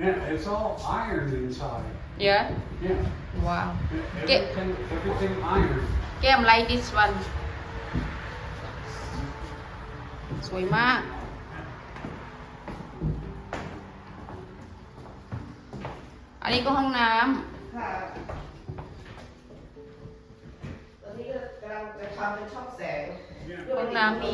Yeah, it's all iron inside. Yeah. Yeah. Wow. Everything iron. แก้มไลท์ this one สวยมาก อันนี้ก็ห้องน้ค่ะตอนนี้กำลังจะทำเป็นช่องแสงำห้องน้ำ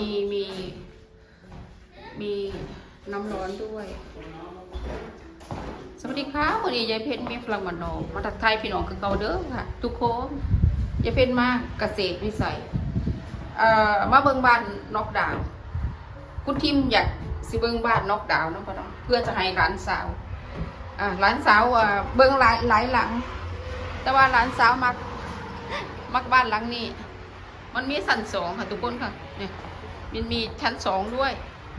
มีน้ำร้อนด้วย สวัสดีค่ะวันนี้ยายเพชรมีฝรั่งมันนอกมาทักทายพี่น้องคือเก่าเด้อค่ะ ทุกคนยายเพชรมาเกษตรวิสัยมาเบิ่งบ้านนอกดาวน์คุณทิมอยากสิเบิ่งบ้านนอกดาวน์เนาะพ่อเนาะเพื่อจะให้หลานสาวหลานสาวเบิ่งหลายหลัง แต่ว่าหลานสาวมักบ้านหลังนี้มันมีชั้นสองค่ะทุกคนค่ะเนี่ยมันมีชั้นสองด้วย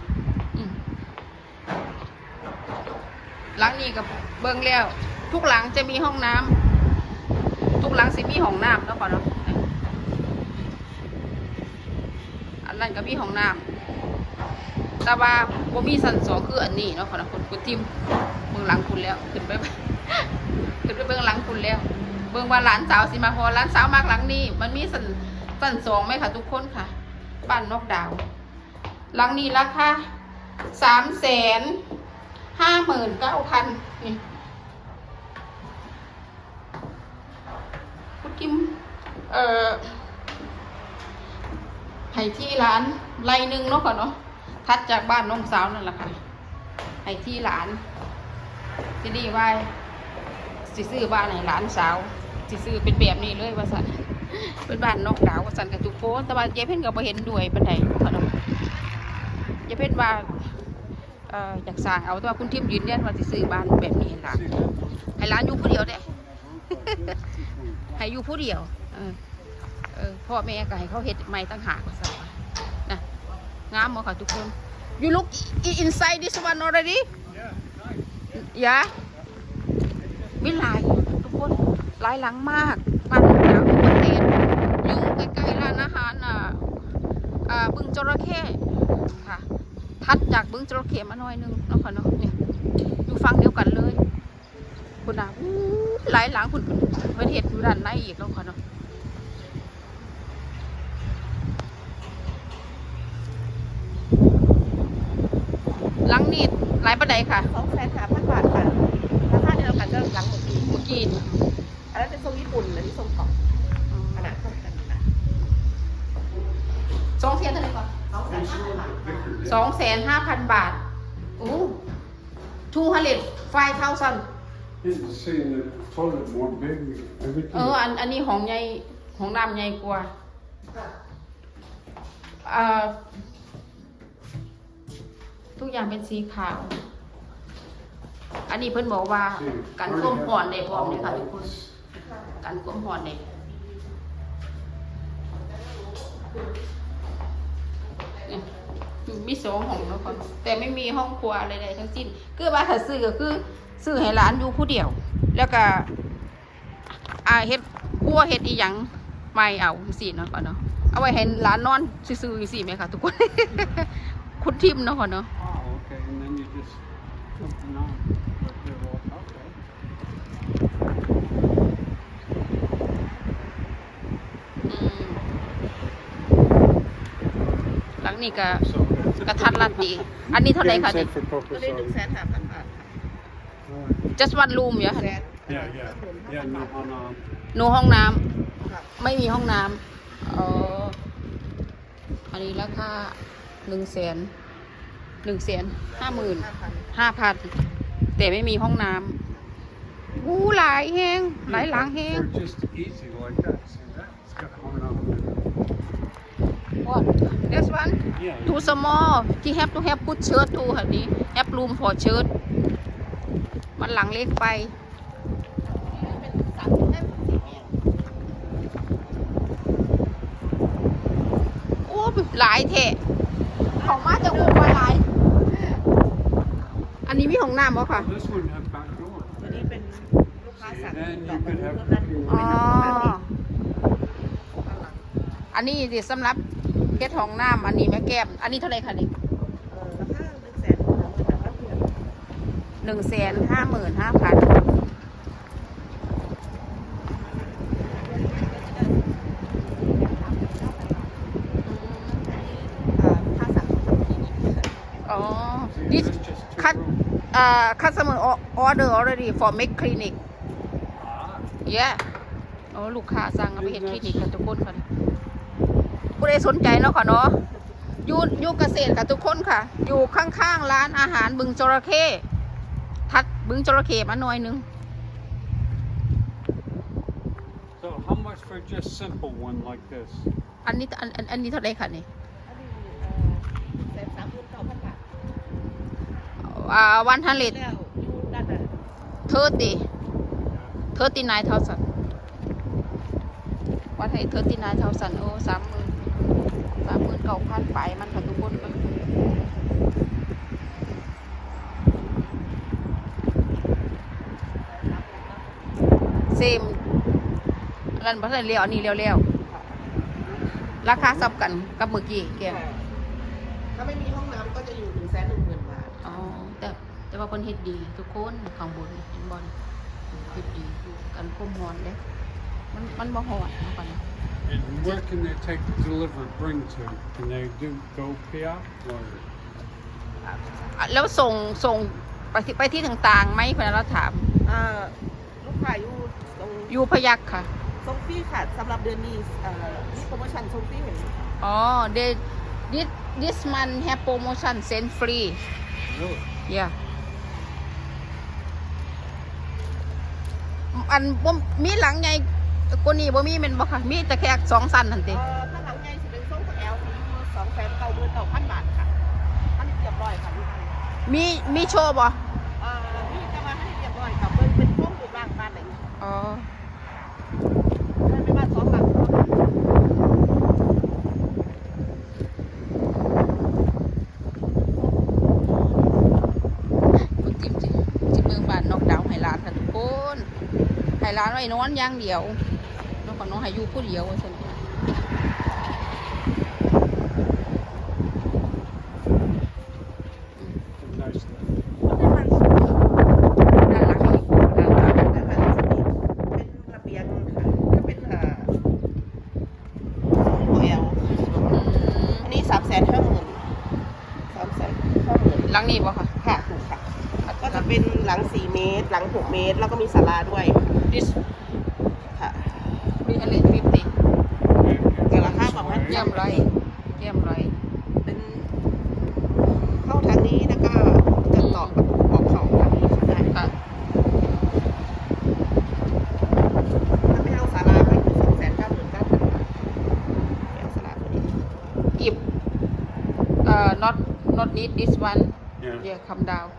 หลังนี้กับเบิ่งแล้วทุกหลังจะมีห้องน้ำทุกหลังสิมีห้องน้ำแล้วก่อนเนาะอันนั้นก็มีห้องน้ำแต่ว่าบ่มีชั้นสองคืออันนี้เนาะก่อนนะคุณทิมเบิ่งหลังคุณแล้วขึ้นไป ขึ้นไปเบิ่งหลังคุณแล้วเบิ่งว่าหลานสาวสิมาพอหลานสาวมากหลังนี้มันมีชั้นสองไหมค่ะทุกคนค่ะบ้านนอกดาวหลังนี้ราคา359,000นี่คุณกิมให้ที่ร้านไรหนึ่งเนาะก่อนเนาะทัดจากบ้านน้องสาวนั่นแหละค่ะให้ที่ร้านที่นี่ว่าสิซื้อบ้านให้หลานสาวสิซื้อเป็นแบบนี้เลยว่าสันเป็นบ้านนอกดาวว่าสันกับทุกคนแต่ว่ายายเพ่นก็บ่เห็นด้วยปานใดค่ะเนาะยายเพ่นว่าอยากสร้างเอาแต่ว่าคุณทิมยืนยันว่าสิซื้อบ้านแบบนี้ให้หลานอยู่ผู้เดียวเด้ ให้อยู่ผู้เดียวพ่อแม่ก็ให้เขาเฮ็ดใหม่ตั้งหากว่าซั่นนะงามบ่ค่ะทุกคน You look inside this one already yeah มีหลายทุกคนหลายหลังมากบ้านหลังประเทศอยู่ใกล้ๆร้านอาหารบึงจระเข้ค่ะทัดจากบึงจระเข้มาหน่อยนึงเนาะค่ะเนาะเนี่ยอยู่ฝั่งเดียวกันเลยคุณน่ะหลายหลังคุณเป็นเห็ดอยู่ด้านในอีกเนาะค่ะเนาะหลังนี้หลายประเดี๋ยวค่ะ 250,000 บาทค่ะราคาเดียวกันก็หลังเมื่อกี้นี่อันนั้นเป็นทรงญี่ปุ่นอันนี้ทรงเกาะขนาดเท่ากันค่ะ 2 เทียนเท่าไหร่ก่อน 250,000 บาทโอ้205,000 It's the same that toilet more big. Everything. อันนี้ของใหญ่ของน้ำใหญ่กว่าทุกอย่างเป็นสีขาว อันนี้เพิ่นบอกว่ากันก้มห่อนได้พร้อมเลยค่ะทุกคนกันก้มห่อนได้มี2 ห้องแล้วก่อนแต่ไม่มีห้องครัวอะไรใดทั้งสิ้นคือว่าถ้าซื้อก็คือซื้อให้หลานอยู่ผู้เดียวแล้วก็เฮ็ดครัวเฮ็ดอีหยังไม่เอาสิเนาะก่อนเนาะเอาไว้ให้หลานนอนซื่อๆสิแม่ค่ะทุกคน คุณทิมเนาะก่อนเนาะ Oh, okay. And then you just put them on. But they're all okay. หลังนี้ก็กระทัดรัดดีอันนี้เท่าไหร่คะนี่ For ตัวนี้ purpose of. 150,000 บาท just one room เหรอคะ Yeah, yeah. Yeah, no, no. โนห้องน้ำค่ะไม่มีห้องน้ำอันนี้ราคา150,000 แต่ไม่มีห้องน้ำหลายแห้งหลายหลังแห้ง They're just easy like that. See that? It's got a horn on it. What this one Yeah. too small he have to have put shirt too ค่ะนี้ have room for shirt มันหลังเล็กไปโอ้หลายเทะของมาจะอุ้มมาหลายอันนี้มีห้องน้ำบ่ค่ะ This one have back door. ตัวนี้เป็นลูกค้าสั่ง Then ด you อก could เพิ่ have มนั้น cooking อ๋อข้างหลังอันนี้สิสำหรับเฮ็ดห้องน้ำอันนี้แม่แก้มอันนี้เท่าไหร่คะนี่ราคา150,000 บาทเพียง 155,000 ค่าสั่งของคลินิกอ๋อ So this it's just two cut rooms. customer order already for make clinic Ah, yeah โอ้ลูกค้าสั่งเอาไปเฮ็ดคลินิกค่ะทุกคนค่ะผู้ใดสนใจเนาะค่ะเนาะอยู่เกษตรค่ะทุกคนค่ะ อยู่ข้างๆร้านอาหารบึงจระเข้ทัดบึงจระเข้มาหน่อยนึง so how much for just simple one like this? อันนี้อันนี้เท่าไหร่ค่ะนี่อันนี้139,000 บาท 100 แล้วอยู่ด้านนั้น 39,000 วัดให้39,000 โอ้39,000ไปมันค่ะทุกคนมันเซมอันนั้นบ่ทันเลี้ยวอันนี้เลี้ยวราคาซับกันกับเมื่อกี้แกถ้าไม่มีห้องน้ำก็จะอยู่ 110,000 บาทอ๋อแต่ว่าเพิ่นเฮ็ดดีทุกคนข้างบนเห็นบ่นี่เฮ็ดดีกันความร้อนเด้มันบ่ร้อนเนาะก่อนนะ And where can they take the delivered bring to? Can they do go pick or? แล้วส่งไปที่ต่างๆไหมคนนั้นเราถามลูกค้าอยู่ตรงอยู่พยัคฆ์ค่ะส่งฟรีค่ะสำหรับเดือนนี้มีโปรโมชั่นส่งฟรีเห็นไหมอ๋อ this month have promotion send free Really? yeah อันบ่มีหลังใหญ่กว่านี้บ่มีแม่นบ่ค่ะมีแต่แค่2สั้นนั่นติถ้าหลังใหญ่สิเป็นส่งกับแอลที่299,000 บาทค่ะอันนี้เรียบร้อยค่ะมีโชว์บ่นี่จะมาให้เรียบร้อยค่ะเป็นห้องหรือบ้านบ้านไหนอ๋อเป็นบ้าน2 หลังคุณจิเมืองบ้านนอกดาวให้ร้านค่ะทุกคนให้ร้านไว้นอนอย่างเดียวแล้วก็น้องให้อยู่ผู้เดียวว่าซั่น Nice. ด้านหลังนี่ด้านหลังด้านหลังจะมีเป็นระเบียงค่ะก็เป็นโอเอลอันนี้350,000 หลังนี้บ่ค่ะค่ะถูกค่ะ ก็จะเป็นหลัง4 เมตร หลัง6 เมตร แล้วก็มีศาลาด้วย this ค่ะ 350 แต่ราคาประมาณเยี่ยมไรเป็นเข้าทางนี้แล้วก็จะต่อออกเขาทางนี้ได้ค่ะถ้าไม่เอาศาลาก็คือ299,000 บาทเอาศาลาตัวนี้ if not need this one Yeah. yeah come down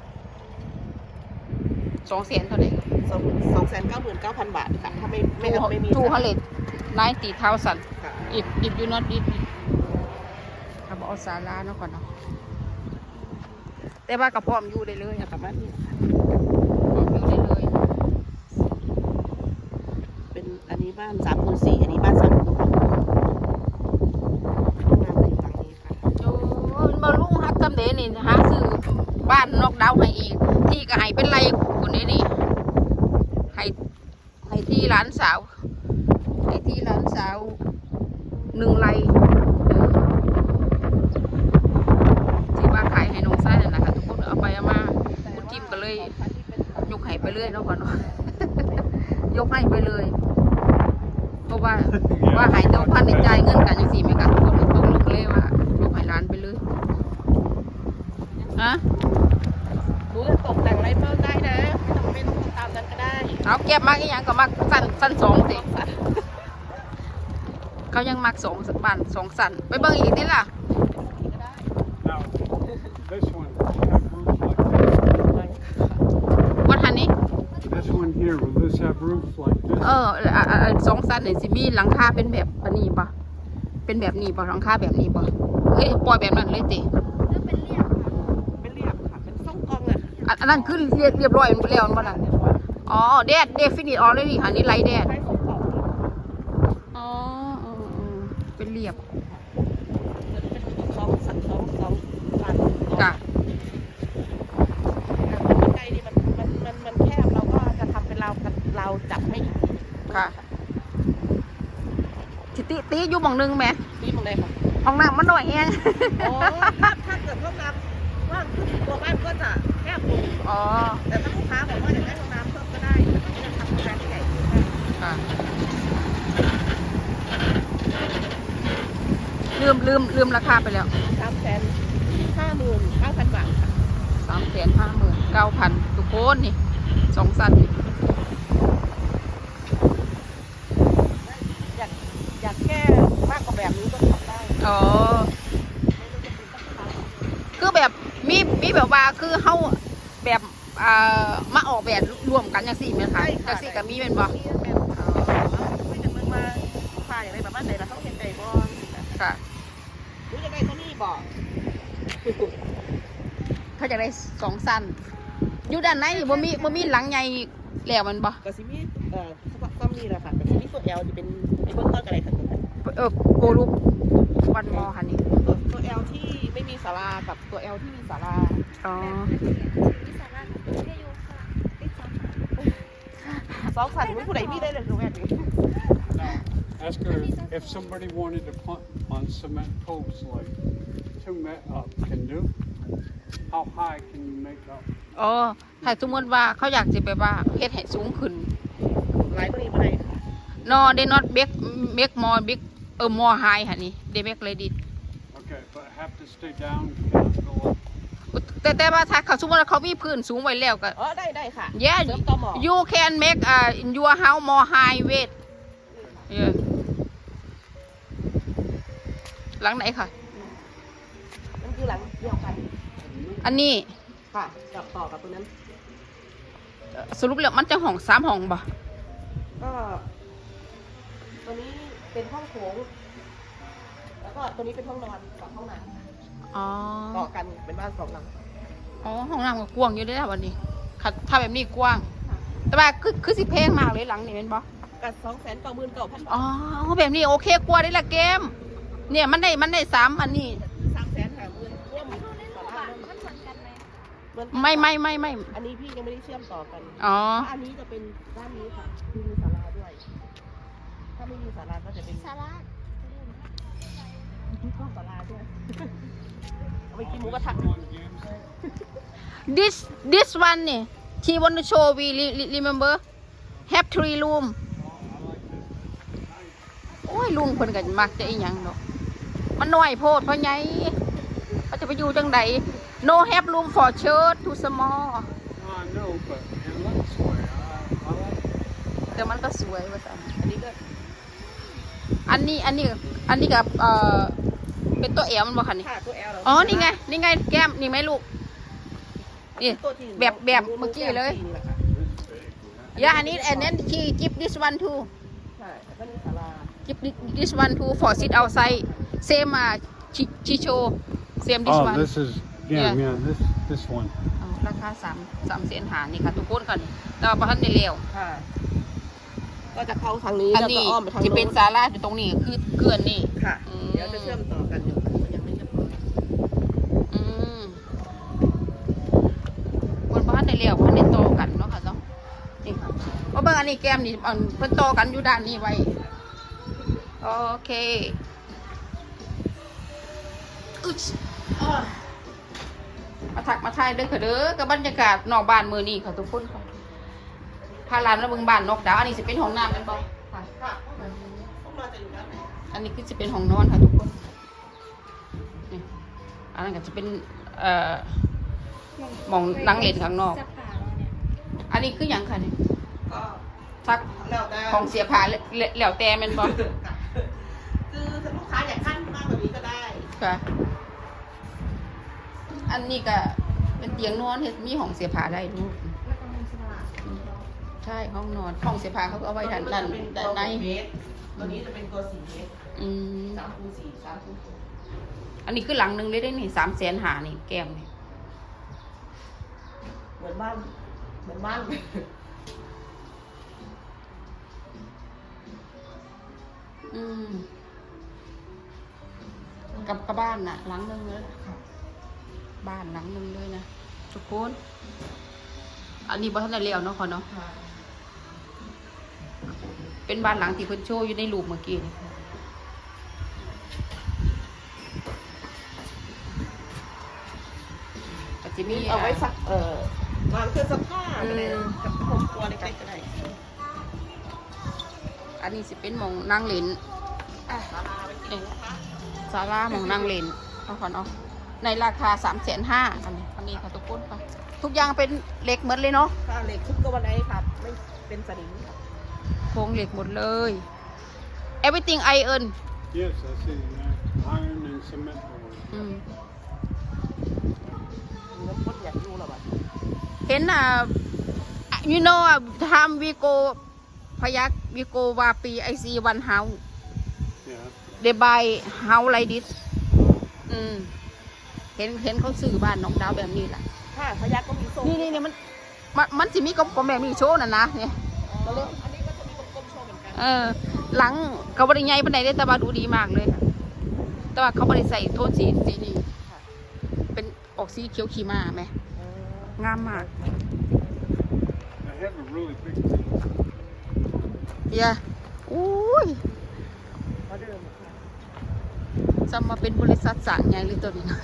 200,000เท่าไหร่ 299,000 บาทค่ะ ถ้าไม่เอาไม่มี 290,000 ค่ะ if you not need it ครับเอาศาลาเนาะก่อนเนาะแต่ว่ากับพร้อมอยู่ได้เลยประมาณนี้ค่ะพร้อมอยู่ได้เลยเป็นอันนี้บ้าน34,000อันนี้บ้าน36,000ห้องน้ำอยู่ฝั่งนี้ค่ะโอ้ยมาลุงฮักจำเดนี่หาซื้อบ้านนอกดาวให้อีก ที่ก็ให้เป็นไรคนนี้นี่ให้ที่ร้านสาวให้ที่ร้านสาว1 ไร่ที่ว่าขายให้น้องซ่าเนี่ยนะคะทุกคนเอาไปเอามาคุณทิมก็เลยยกให้ไปเรื่อยเนาะก่อนเนาะ ยกให้ไปเลย เพราะว่าหายตัวพันในใจายเงินกันยังสี่ไม่กันทุกคนตกลงเลยว่ายกให้ร้านไปเลยฮะรู้จะตกแต่งอะไรเพิ่มได้นะไม่ต้องตามนั้นก็ได้เอาเก็บมากอีกอย่างก็มักสั้น2สิเขายังมัก2 บ้าน2 สั้นไปเบิ่งอีกนี่ล่ะก็ได้ Now, this one have roof like this. วัดทันนี้ This one here, will this have roof like this? 2 สั้นเนี่ยสิมีหลังคาเป็นแบบนี้ป่ะเป็นแบบนี้ป่ะหลังคาแบบนี้ป่ะเฮ้ยปล่อยแบบนั้นเลยติเป็นเรียบค่ะ เป็นทรงกลองอ่ะอันนั้นคือเรียบร้อยแล้วมันบ่ล่ะอ๋อแดดฟินิชออลเลยนี่ค่ะนี่ไลท์แดดใช้ทรงกลองอ๋อเป็นเรียบเป็น2 สัน 2 บานจ้ะใกล้เราจัดให้อีกทีค่ะติอยู่หม่องนึงแหมนี่มองได้ค่ะห้องน้ำมันน้อยแฮงอ๋อถ้าเกิดห้องน้ำว่างขึ้นตัวบ้านก็จะแคบลงอ๋อแต่ถ้าลูกค้าบอกว่าอยากได้ห้องน้ำเพิ่มก็ได้ก็จะทำโรงแรมที่ใหญ่ขึ้นได้ค่ะลืมราคาไปแล้ว 359,000 บาทค่ะ 359,000ทุกคนนี่2 สั้นนี่อยากแก้มากกว่าแบบนี้ก็ทำได้อ๋อคือแบบมีแบบว่าคือเฮาแบบมาออกแบบรวมกันจังซี่แม่นค่ะจังซี่ก็มีแม่นบ่คุยกันเมืองมาฝ่ายอะไรแบบว่าไหนเราต้องเห็นใจบอลค่ะรู้จะได้เท่านี้บอกเขาจะได้2 สั้นอยู่ด้านในบ่มีหลังใหญ่แล้วมันบ่กระซิมีซ้ำนี่แหละค่ะกระซิมีตัว L จะเป็นไอ้เบิ้ลต้นอะไรค่ะโกลูกวันมอค่ะนี่ตัว L ที่ไม่มีศาลากับตัว L ที่มีศาลาอ๋อสองสันผู้ใดมีได้เลยตรงนี้ Now, ask her if somebody wanted to put on cement posts like 2 met up can do. How high can you make up? อ๋อถ้าสมมติว่าเขาอยากจะแบบว่าเฮ็ดให้สูงขึ้นหลายคนนี้ไม่ได้ค่ะ no they not make more big more high ค่ะนี่ they make like this Okay, but have to stay down. Cannot go up. แต่ว่าถ้าเขาสมมติว่าเขามีพื้นสูงไว้แล้วก็อ๋อได้ค่ะ yeah เสริมต่อหมอ you can make in your house more high weight yeah หลังไหนค่ะนั่นคือหลังเดียวกันอันนี้ค่ะกับต่อกับตัวนั้นสรุปแล้วมันจะห้อง3 ห้องบ่ก็ตัวนี้เป็นห้องโถงแล้วก็ตัวนี้เป็นห้องนอนกับห้องน้ำอ๋อต่อกันเป็นบ้านสองหลังอ๋อห้องน้ำก็กว้างอยู่เด้อวันนี้ค่ะถ้าแบบนี้กว้าง แต่ว่าคือสิแพงมากเลยหลังนี่เป็นบ่กับ299,000 บาทอ๋อแบบนี้โอเคกว่าได้ละเกม เนี่ยมันได้3อันนี้ 350,000ร่วมศาลาเหมือนไม่อันนี้พี่ยังไม่ได้เชื่อมต่อกันอ๋อเพราะอันนี้จะเป็นด้านนี้ค่ะคือมีศาลาด้วย ถ้าไม่มีศาลาก็จะเป็นศาลามีข้อศาลาด้วย เอาไปกินหมูกระทะ this one นี่ she want to show we remember have 3 room โอ้ยลุงเพิ่นก็มักจะอีหยังดอกมันน้อยโพดเพราะไงเขาจะไปอยู่จังใด no have room for church too small I know, but it looks way. I like it. แต่มันก็สวยว่าซั่นอันนี้ก็อันนี้กับเป็นตัวแอลมันบ่คะนี่ค่ะตัว L อ๋อนี่ไงแก้มนี่ไหมลูกนี่ตัวที่แบบเมื่อกี้เลยนี่แหละค่ะ yeah อันนี้ and then she give this one too ใช่แล้วก็มีศาลา give this one too for sit outside same she show same this one this is Yeah. this one. อ๋อราคา3 เสียนหานี่ค่ะทุกคนค่ะนี่แต่ว่าบ่ทันได้แล้วค่ะ ก็จะเข้าทางนี้อันแล้วก็นี้อ้อมไปทางที่โน้เป็นนศาลาอยู่ตรงนี้คือเกือนนี่ค่ะอืมเดี๋ยวจะเชื่อมต่อกันอยู่ยังไม่เรียบร้อยอืมวันบ้านได้แล้วพันได้โตกันเนาะค่ะเนาะนี่ว่าเบิ่งอันนี้แก้มนี่อันเพิ่นโตกันอยู่ด้านนี้ไว้โอเคอึ๊ดมาทักมาทายเด้อค่ะเด้อกับบรรยากาศนอกบ้านมื้อนี้ค่ะทุกคนค่ะพาหลานมาเบิ่งบ้านนอกดาวอันนี้สิเป็นห้องน้ำแม่นบ่ค่ะค่ะห้องนอนจะอยู่ด้านไหนอันนี้คือจะเป็นห้องนอนค่ะทุกคนนี่อันนั้นก็จะเป็นหมองนั่งเล่นข้างนอก อันนี้คืออย่างค่ะนี่ก็ทักแล้วแต่ของเสียผ้าแล้วแต่แมันบ่คือถ้าลูกค้าอยากขั้นมากกว่านี้ก็ได้ค่ะ อันนี้ก็เป็นเตียงนอนเฮ็ดมีห้องเสียผ้าได้ลูกแล้วก็มีสลาใช่ห้องนอนห้องเสียผ้าเขาก็เอาไว้ด้านในตัวนี้จะเป็นตัว4 เมตรอืม 3 คูณ 4 3 คูณอันนี้คือหลังหนึงเลยได้นี่350,000นี่แก้มนี่เหมือนบ้านอืมกับบ้านน่ะหลังหนึงเลยบ้านหลังหนึงเลยนะทุกคนอันนี้บ่ทันได้แล้วเนาะค่ะเนาะค่ะเป็นบ้านหลังที่เพิ่นโชว์อยู่ในรูปเมื่อกี้นี่ก็จะมีเอาไว้ซักวางเครื่องซักผ้าก็ได้กับครอบครัวเล็กๆก็ได้อันนี้สิเป็นหมองนั่งเล่นศาลาเป็นที่นะคะศาลาหมองนั่งเล่นเอาก่อนเนาะในราคา 350,000อันนี้ค่ะทุกคนค่ะทุกอย่างเป็นเหล็กหมดเลยเนาะค่าเหล็กทุกตัวไหนครับไม่เป็นสนิมครับโครงเหล็กหมดเลย everything iron Yes, I see iron and cement board. อืมน้ำข้นอยากอยู่หรอวะเห็นyou know time we go พยัก we go วาปี I see one house Yeah. they buy house like this อืมเห็นเขาซื้อบ้านน้องดาวแบบนี้แหละค่ะพยักก็มีโซ่นี่มันสิมีกลมๆแบบนี้โชว์น่ะนะเนี่ยอันนี้ก็จะมีกลมๆโชว์เหมือนกันหลังเขาบริไงปานใดได้แต่ว่าดูดีมากเลย แต่ว่าเขาบริใส่โทนสีนี้เป็นออกสีเขียวขีมาไหมงามมาก I have a really big team. เฮียอุ้ยเขาเดิมค่ะจะมาเป็นบริษัทสั่งใหญ่เลยตัวนี้นะ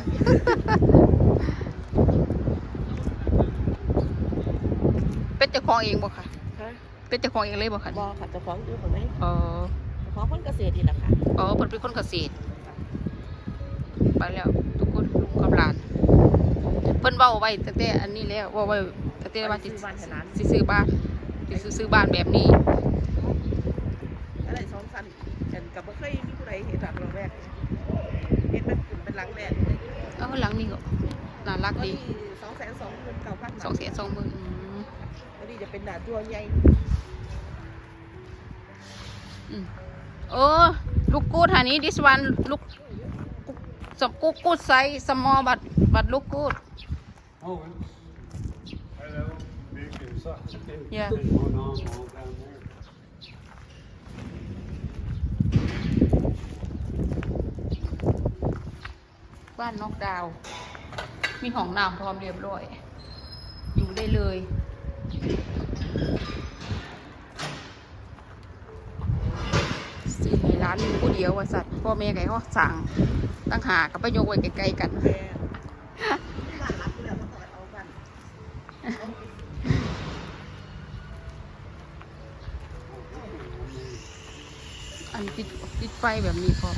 เป็นเจ้าของเองบ่ค่ะฮะเป็นเจ้าของเองเลยบ่ค่ะบอค่ะเจะฟ้าของอยู่ของไหนอ๋อเจะฟ้าของคนเกษตรนี่แหละค่ะอ๋อเพิ่นเป็นคนเกษตรไปแล้วทุกคนลุงกับหลานเพิ่นเว้าไว้ตั้งแต่อันนี้แล้วเว้าไว้ตั้งแต่ว่าสิซื้อบ้านสิซื้อบ้านแบบนี้อะไรสองสันกันกับบ่เคยมีผู้ใดเห็นหลังเราแรกเห็นเป็นกลุ่มเป็นหลังแรกเลยหลังนี้ก็น่ารักก็ดีที่229,000 220,000 แล้วนี่จะเป็นหนาตัวใหญ่โอ้ลูกกูดฮันนี้ this one ลูกกูดไซส์ small but look good Oh, it's hello, big and such. Yeah. And one arm all down there. บ้านนอกดาว มีห้องน้ำพร้อมเรียบร้อย อยู่ได้เลยสี่ให้ร้านอยู่ผู้เดียวว่าสัตว์พ่อแม่ไก่เขาสั่งตั้งหากับไปโยกไว้ไกลๆกันแม่บ้านรักอยู่แล้วก็ต่อเอากันอันติดไฟแบบนี้พร้อม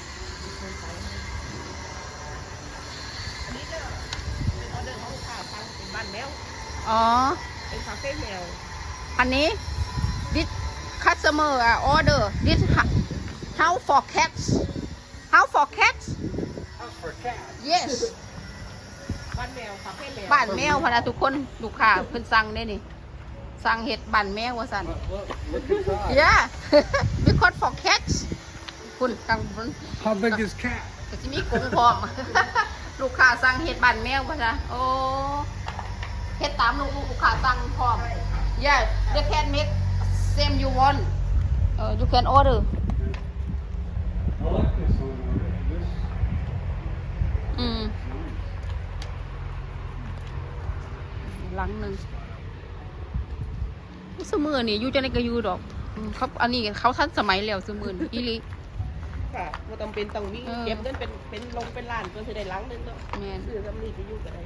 อันนี้ก็เป็นออเดอร์ของลูกค้าทางเป็นบ้านแมวอ๋อเป็นคาเฟ่แมวอันนี้ this customer order this how for cats how for cats House for cats. yes บ้านแมวคาเฟ่แมวบ้านแมวพะนะทุกคนลูกค้าเพิ่นสั่งได้นี่สั่งเห็ดบ้านแมวว่าสั่น Look inside. yeah because for cats คุณกังคุณ How big is cat? ก็จะมีกรงพร้อม ลูกค้าสั่งเห็ดบ้านแมวพะนะโอ้เห็ดตามลูกค้าสั่งพร้อม yeah they can make same you want you can order I like this one. This อืม nice. หลังหนึ่งสมือนี่อยู่จะในกระยูดอกเขาอันนี้เขาทันสมัยแล้วสมือนี่อีหลิค่ะว่าต้องเป็นต้องมีเออเก็บเงินเป็นลงเป็นล้านเพื่อจะได้หลังนึงเนาะแม่นซื้อสำลีไปอยู่กันได้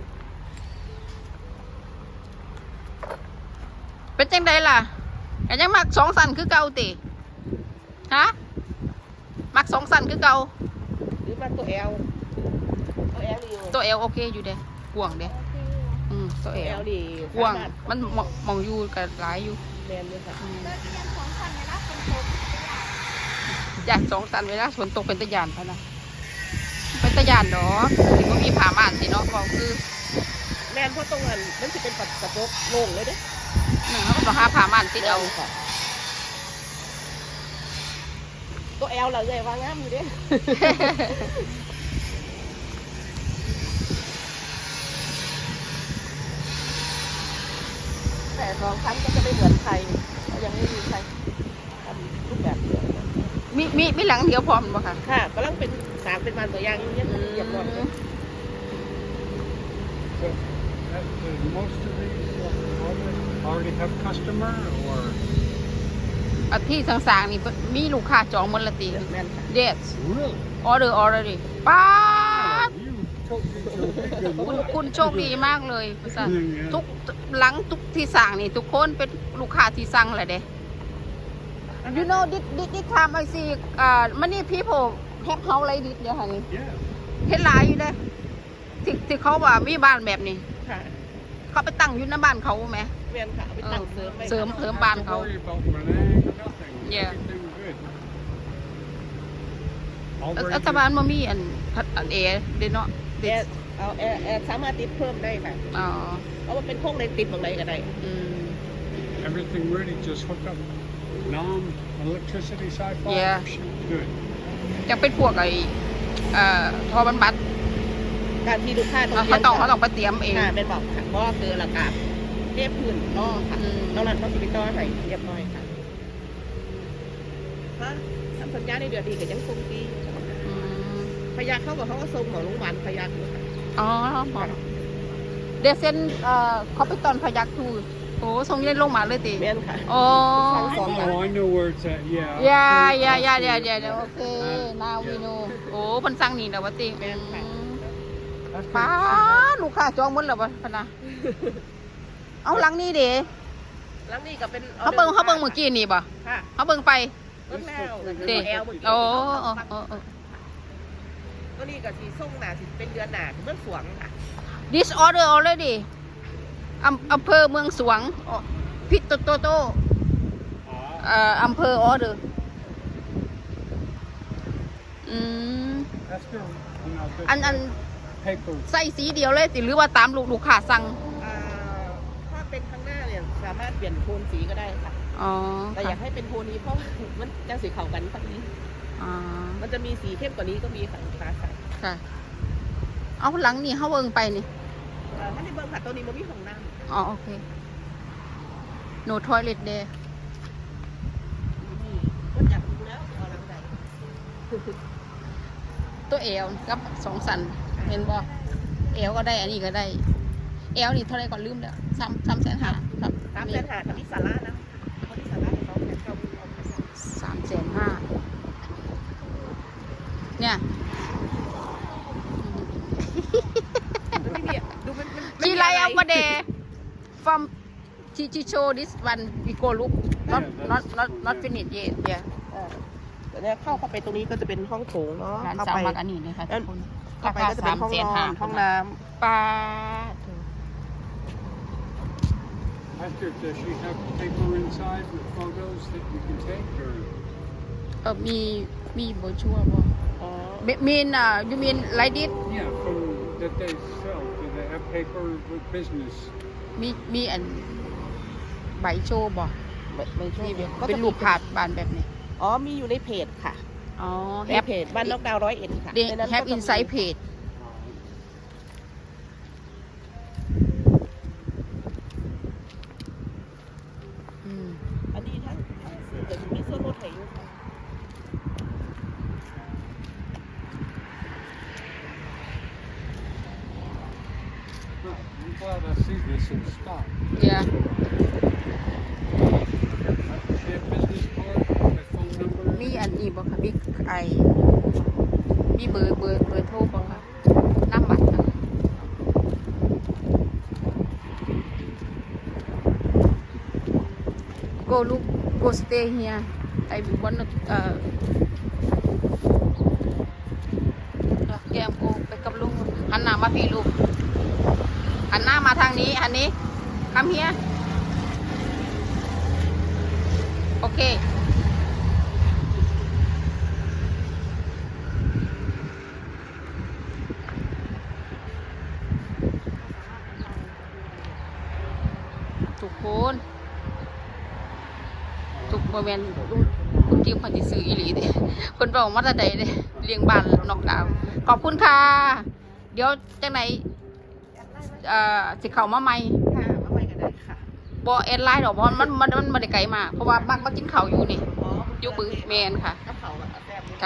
เป็นจังไดล่ะแต่ยังมัก2 สันคือเก่าติฮะมัก2 สันคือเก่าหรือมาตัวแอลนี่ตัวเอลโอเคอยู่เด้กว้างเด้ตัวเอแอลลนี่กว้างสามารถมันมองอยู่กับหลายอยู่แมนเลยค่ะอยาก2 สันเวลาฝนตกเป็นตะยานพะนะเป็นตะยานดอกถึงว่ามีผ้าม่านสิเนาะบอกคือแมนเพราะตรงนั้นมันจะเป็นกระจกโล่งเลยเด้เขาก็ต้องหาผ้าม่านติดเอาค่ะตัวแอลเราเลยว่างามอยู่เด้ แต่2 ชั้นก็จะไม่เหมือนใครก็ยังไม่มีใครทำรูปแบบเดียวกันมีหลังเดียวพร้อมบ่ค่ะค่ะกำลังเป็นสามเป็นมันตัวอย่างยังไม่เรียบร้อยเลย So, most of these already have customer or ที่ต่างๆนี่มีลูกค้าจองหมดละติแม่นค่ะ Yes Really? order already ป้าด You totally good คุณ luck. โชคดีมากเลยทุกหลังทุกที่สั่งนี่ทุกคนเป็นลูกค้าที่สั่งแหละเด้ You know this time I see many people have house like this เดี๋ยวค่ะนี่ Yeah. เห็นหลายอยู่เด้ที่เขาว่ามีบ้านแบบนี้ค่ะเขาไปตั้งอยู่ในบ้านเขาไหมแม่นค่ะเอาไปตั้งเสริมไว้เสริม Don't บ้าน have to เขา worry about Renee, nothing. Yeah. Everything good. รัฐบาลมามีอันเอเดเนาะแอร์เอาแอร์สามารถติดเพิ่มได้ค่ะอ๋อเพราะว่าเป็นโค้งในติดตรงไหนก็ได้อืม Everything ready, just hook up non-electricity sci-fi. Yeah. Good. ยังเป็นพวกไอ้ทอบรรบัดการที่ลูกค้าเขาต้องไปเตรียมเองค่ะเป็นบอกค่ะเพราะว่าคือหลักการเรียบพื้นต่อค่ะอืมนอกนั้นเขาสิไปต่อให้เรียบร้อยค่ะฮะทำสัญญาในเดือนดีก็ยังส่งฟรีอืมพยาเขาบอกเขาก็ส่งหมอโรงพยาบาลพยาอยู่ค่ะอ๋อหมอเดซเซนเขาไปตอนพยักทูโอ้ส่งเย็นลงมาเลยติแม่นค่ะอ๋อ Oh, I know where it's at. Yeah. ยาโอเคนาวีโนโอ้เพิ่นสั่งนี่แล้วว่าติแม่นค่ะ That's ป้า good. ลูกค้าจองหมดแล้วบ่พะนะเอาหลังนี้เด้แล้วนี่ก็เป็นเขาเบิ่งเมื่อกี้นี่บ่ค่ะเขาเบิ่งไปเบิ่งแล้วติแอลเมื่อกี้โอ้ก็นี่ก็สีส้มหนาสิเป็นเดือนหนาเมื่อสวงค่ะ This order already อำเภอเมืองสวงพิตโตโต Ah, อำเภอออเดอร์อืม that's good. You know, good อัน paper. ใส่สีเดียวเลยติหรือว่าตามลูกค้าสั่งถ้าเป็นข้างหน้าเนี่ยสามารถเปลี่ยนโทนสีก็ได้ค่ะอ๋อแต่อยากให้เป็นโทนนี้เพราะว่ามันจะสีเข้ากันสักนี้อ๋อมันจะมีสีเข้มกว่านี้ก็มีค่ะฟ้าใสค่ะ เอาหลังนี่เขาเบิ่งไปนี่ถ้าในเบิ้งค่ะตัวนี้มันมีของน้อ๋อโอเค no toilet there ำก็อยากดูแล้วเอาหลังใดตัวเอวกับสองสันเห็นบ่เอวก็ได้อันนี้ก็ได้เอวนี่เท่าไรก่อนลืมแล้ว300,000ครับตามเส้นหาทำที่สาระนะเขาที่สาระเขาแค่เขาเอาไปใส่ 350,000เนี่ยมันไม่มีดูมัน She like our day from she show this one we go look not finish yet yeah แต่เนี่ยเข้าไปตรงนี้ก็จะเป็นห้องโถงเนาะร้านเข้าสาวไปมักอันนี้เลยค่ะทุกคนเข้าไปก็จะเป็นห้องนอนห้องน้ปลา Esther, does she have paper inside with photos that you can take, or? มีโบชัวบ่ำอ๋อ mean you mean like this Yeah, from that they sell. Do they have paper with business? มีอันใบโชว์บ่ไม่ใช่นี่ก็เป็นจะรูปภาพบานแบบนี้อ๋อมีอยู่ในเพจค่ะอ๋อในเพจบ้านนอกดาว101ค่ะ they ในนั้น have ก็จะมี inside page อืมอันนี้ทั้งสื่อจะมีส่วนลดให้อยู่ค่ะ Well, I'm glad I see this in stock. yeah She have business card, my phone number. มีอันนี้บ่ค่ะมีมีเบอร์โทรบ่ค่ะน้ำบัตรค่ะ go stay here I want to แกมโกไปกับลุงหันหน้ามาพี่ลูกหันหน้ามาทางนี้อันนี้คำเฮียโอเคทุกคนทุกโมเมนต์คุณจิ้มคนที่ซื้ออีหลีเด้คนบอกมาแต่ใดเด้เลี้ยงบ้านนอกดาวขอบคุณค่ะเดี๋ยวจังไหนสิเข้ามาใหม่ค่ะมาไปกันได้ค่ะบ่แอดไลน์ดอกเพราะมันได้ไกลมากเพราะว่ามักมากินข้าวอยู่นี่อ๋ออยู่บึงแมนค่ะกับเขาอะแซ่บอยู่ค่ะ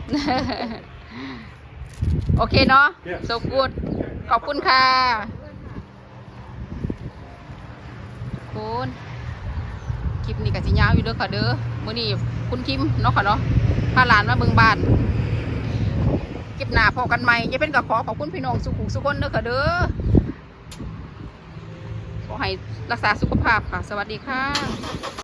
โอเคเนาะ Yes. so good ขอบคุณค่ะคุณคลิปนี้ก็สิยาวอยู่เด้อค่ะเด้อมื้อนี้คุณคิมเนาะค่ะเนาะพาหลานมาเบิ่งบ้านคลิปหน้าพอกันใหม่อย่าเป็นก็ขอบคุณพี่น้องสุขคนเด้อค่ะเด้อขอให้รักษาสุขภาพค่ะสวัสดีค่ะ